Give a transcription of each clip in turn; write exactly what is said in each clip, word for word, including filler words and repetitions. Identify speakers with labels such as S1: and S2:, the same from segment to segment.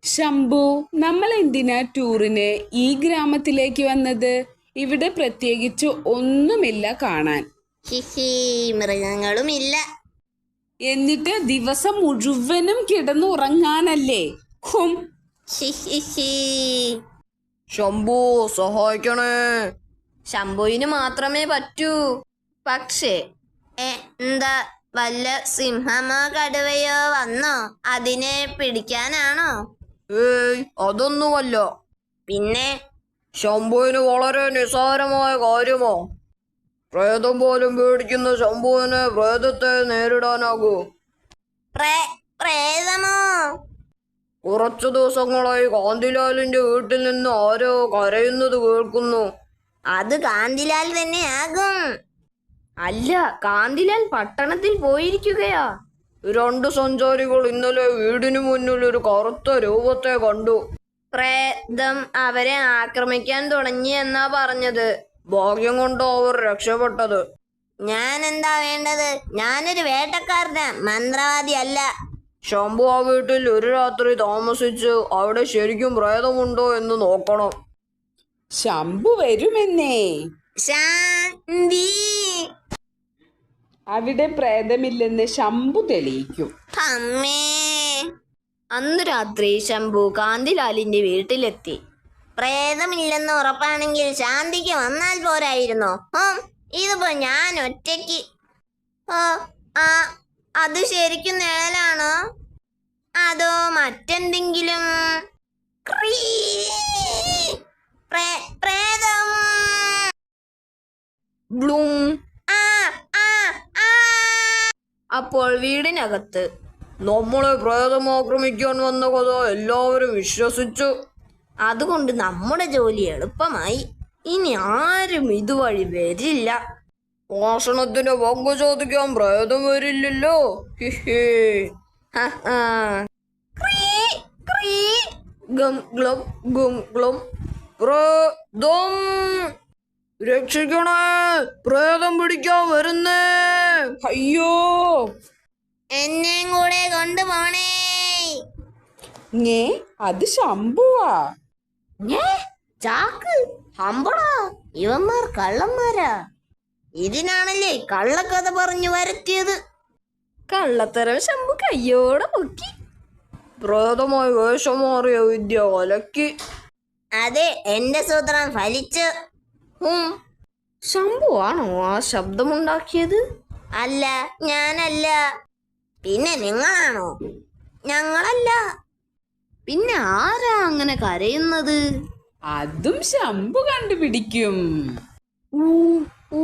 S1: ശംഭു, നമ്മൾ എന്തിനാ ടൂറിന് ഈ ഗ്രാമത്തിലേക്ക് വന്നത്? ഇവിടെ പ്രത്യേകിച്ച് ഒന്നുമില്ല കാണാൻ.
S2: ഹിഹി, മൃഗങ്ങളുമില്ല.
S1: എന്നിട്ട് ദിവസം മുഴുവനും കിടന്നുറങ്ങാനല്ലേ? ഹും.
S2: ഹിഹിഹി.
S3: ശംഭു, സഹായിക്കണേ.
S2: ശംഭുവിന് മാത്രമേ പറ്റൂ. പക്ഷേ എ, എന്താ വല്ല സിംഹമോ കടുവയോ വന്നോ അതിനെ പിടിക്കാനാണോ?
S3: ഏയ്, അതൊന്നുമല്ല.
S2: പിന്നെ
S3: ശംഭുവിന് വളരെ നിസ്സാരമായ കാര്യമോ? പ്രേതം പോലും പേടിക്കുന്ന ശംഭുവിന് പ്രേതത്തെ നേരിടാനാകൂ?
S2: പ്രേ- പ്രേതമോ?
S3: കുറച്ചു ദിവസങ്ങളായി കാന്തിലാലിന്റെ വീട്ടിൽ നിന്ന് ആരോ കരയുന്നത് കേൾക്കുന്നു.
S2: അത് കാന്തിലാൽ തന്നെയാകും.
S3: അല്ല, കാന്തിലാൽ പട്ടണത്തിൽ പോയിരിക്കുകയാ. രണ്ട് സഞ്ചാരികൾ ഇന്നലെ വീടിനു മുന്നിൽ ഒരു കറുത്ത രൂപത്തെ കണ്ടു.
S2: പ്രേതം അവരെ ആക്രമിക്കാൻ തുടങ്ങി എന്നാ പറഞ്ഞത്.
S3: ഭാഗ്യം കൊണ്ട് അവർ രക്ഷപ്പെട്ടത്.
S2: ഞാൻ എന്താ വേണ്ടത്? ഞാനൊരു വേട്ടക്കാരനാ, മന്ത്രവാദി അല്ല.
S3: ശംഭു ആ വീട്ടിൽ ഒരു രാത്രി താമസിച്ച് അവിടെ ശരിക്കും പ്രേതമുണ്ടോ എന്ന് നോക്കണം.
S1: ശംഭു വരുമെന്നേ.
S2: ശാന്തി.
S1: അവിടെ പ്രേതമില്ലെന്ന് ശംഭു തെളിയിക്കും.
S2: അമ്മേ.
S3: അന്ന് രാത്രി ശംഭു കാന്തിലാലിന്റെ വീട്ടിലെത്തി.
S2: പ്രേതമില്ലെന്ന് ഉറപ്പാണെങ്കിൽ ശാന്തിക്ക് വന്നാൽ പോരായിരുന്നോ? ഹും, ഇതിപ്പോ ഞാൻ ഒറ്റയ്ക്ക്. ഓ, ആ അത് ശരിക്കും നിഴലാണോ അതോ മറ്റെന്തെങ്കിലും? ക്രീ. പ്രേ- പ്രേതം.
S3: ബ്ലൂം.
S2: ആ, ആ, ആ.
S3: അപ്പോൾ വീടിനകത്ത് നമ്മളെ പ്രേതം ആക്രമിക്കാൻ വന്ന കഥ എല്ലാവരും വിശ്വസിച്ചു.
S2: അതുകൊണ്ട് നമ്മുടെ ജോലി എളുപ്പമായി. ഇനി ആരും ഇതുവഴി വരില്ല.
S3: മോഷണത്തിന് പങ്കു ചോദിക്കാൻ പ്രേതം വരില്ലല്ലോ. ഹിഹി.
S2: ഹ, ആ. ക്രീ, ക്രീ.
S3: ഗം ഗ്ലം ഗും ഗ്ലം. പ്രേതം രക്ഷിക്കണേ, പ്രേതം പിടിക്കാൻ വരുന്നേ.
S1: അയ്യോ,
S2: എന്നെയും കൂടെ കൊണ്ടുപോണേ.
S1: ഞേ അത് ശംഭുവാ.
S2: ചാക്ക് ഹമ്പടാ, ഇവന്മാർ കള്ളന്മാരാ. ഇതിനാണല്ലേ കള്ളക്കഥ പറഞ്ഞു വരുത്തിയത്.
S3: കള്ളത്തരം ശംഭു കയ്യോടെ പൊക്കി. പ്രേതമായി വേഷം മാറിയ വിദ്യ കലക്കി.
S2: അതെ, എന്റെ സൂത്രം ഫലിച്ചു.
S3: ഉം, ശംഭു ആണോ ആ ശബ്ദമുണ്ടാക്കിയത്?
S2: അല്ല, ഞാനല്ല. പിന്നെ നിങ്ങളാണോ? ഞങ്ങളല്ല.
S3: പിന്നെ ആരാ അങ്ങനെ കരയുന്നത്?
S1: അതും ശംഭു കണ്ടുപിടിക്കും.
S3: ഊ, ഊ.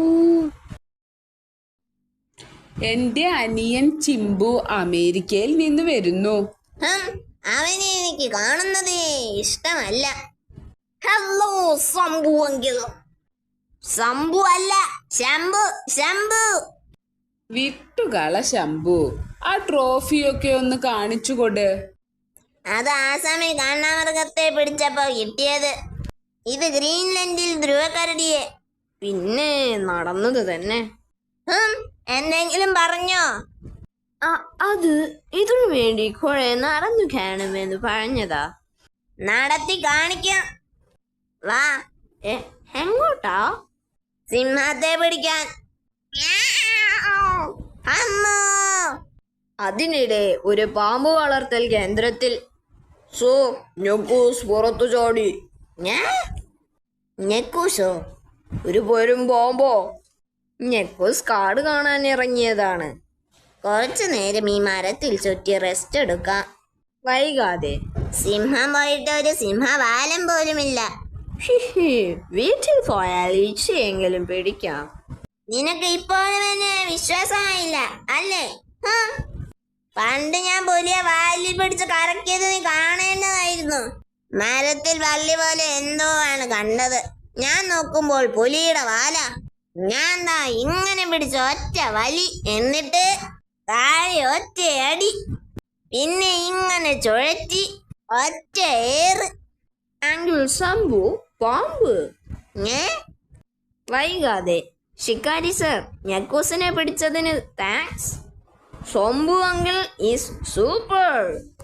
S1: എന്റെ അനിയൻ ചിമ്പു അമേരിക്കയിൽ നിന്ന് വരുന്നു.
S2: ഹും, അവനെ എനിക്ക് കാണുന്നതേ ഇഷ്ടമല്ല. Hello Shambhu uncle. ശംഭു അല്ല, ശംഭു, ശംഭു.
S1: വിട്ടുകള ശംഭു, ആ ട്രോഫിയൊക്കെ ഒന്ന് കാണിച്ചു കൊട്.
S2: അത് ആസാമിൽ കാണ്ടാമൃഗത്തെ പിടിച്ചപ്പോ കിട്ടിയത്. ഇത് ഗ്രീൻലൻഡിൽ ധ്രുവക്കരടിയെ.
S3: പിന്നെ നടന്നത് തന്നെ.
S2: ഹും, എന്തെങ്കിലും പറഞ്ഞോ?
S3: അത് ഇതിനു വേണ്ടി കുറെ നടന്നു കാണുമെന്ന് പറഞ്ഞതാ.
S2: നടത്തി കാണിക്കാം. വാ.
S3: എ, എങ്ങോട്ടാ?
S2: സിംഹത്തെ പിടിക്കാൻ. അമ്മോ.
S3: അതിനിടെ ഒരു പാമ്പ് വളർത്തൽ കേന്ദ്രത്തിൽ സോ ഞെക്കൂസ് പുറത്തു ചാടി.
S2: ഞെക്കൂസോ?
S3: ഒരു പെരും പാമ്പോ. ഞെക്കൂസ് കാട് കാണാൻ ഇറങ്ങിയതാണ്.
S2: കുറച്ചു നേരം ഈ മരത്തിൽ ചുറ്റി റെസ്റ്റ് എടുക്കാം.
S3: വൈകാതെ
S2: സിംഹം പോയിട്ട് ഒരു സിംഹവാലം പോലുമില്ല.
S3: ഹിഹി, വീട്ടിൽ പോയാൽ ഈച്ചയെങ്കിലും പിടിക്കാം.
S2: നിനക്ക് ഇപ്പോഴും എന്നെ വിശ്വാസമായില്ല അല്ലേ? ഹും. പണ്ട് ഞാൻ പുലിയ വാലിൽ പിടിച്ച് കറക്കിയത് നീ കാണേണ്ടതായിരുന്നു. മരത്തിൽ വള്ളി പോലെ എന്തോ ആണ് കണ്ടത്. ഞാൻ നോക്കുമ്പോൾ പുലിയുടെ വാല. ഞാൻ ദാ ഇങ്ങനെ പിടിച്ച ഒറ്റ വലി, എന്നിട്ട് താഴെ ഒറ്റ അടി, പിന്നെ ഇങ്ങനെ ചുഴറ്റി ഒറ്റ ഏറ്.
S3: അങ്കിൾ ശംഭു, പാമ്പ്.
S2: ഏ?
S3: വൈകാതെ ഷിക്കാരി സർ, ഞെക്കൂസിനെ പിടിച്ചതിന് thanks. Shambhu uncle is super.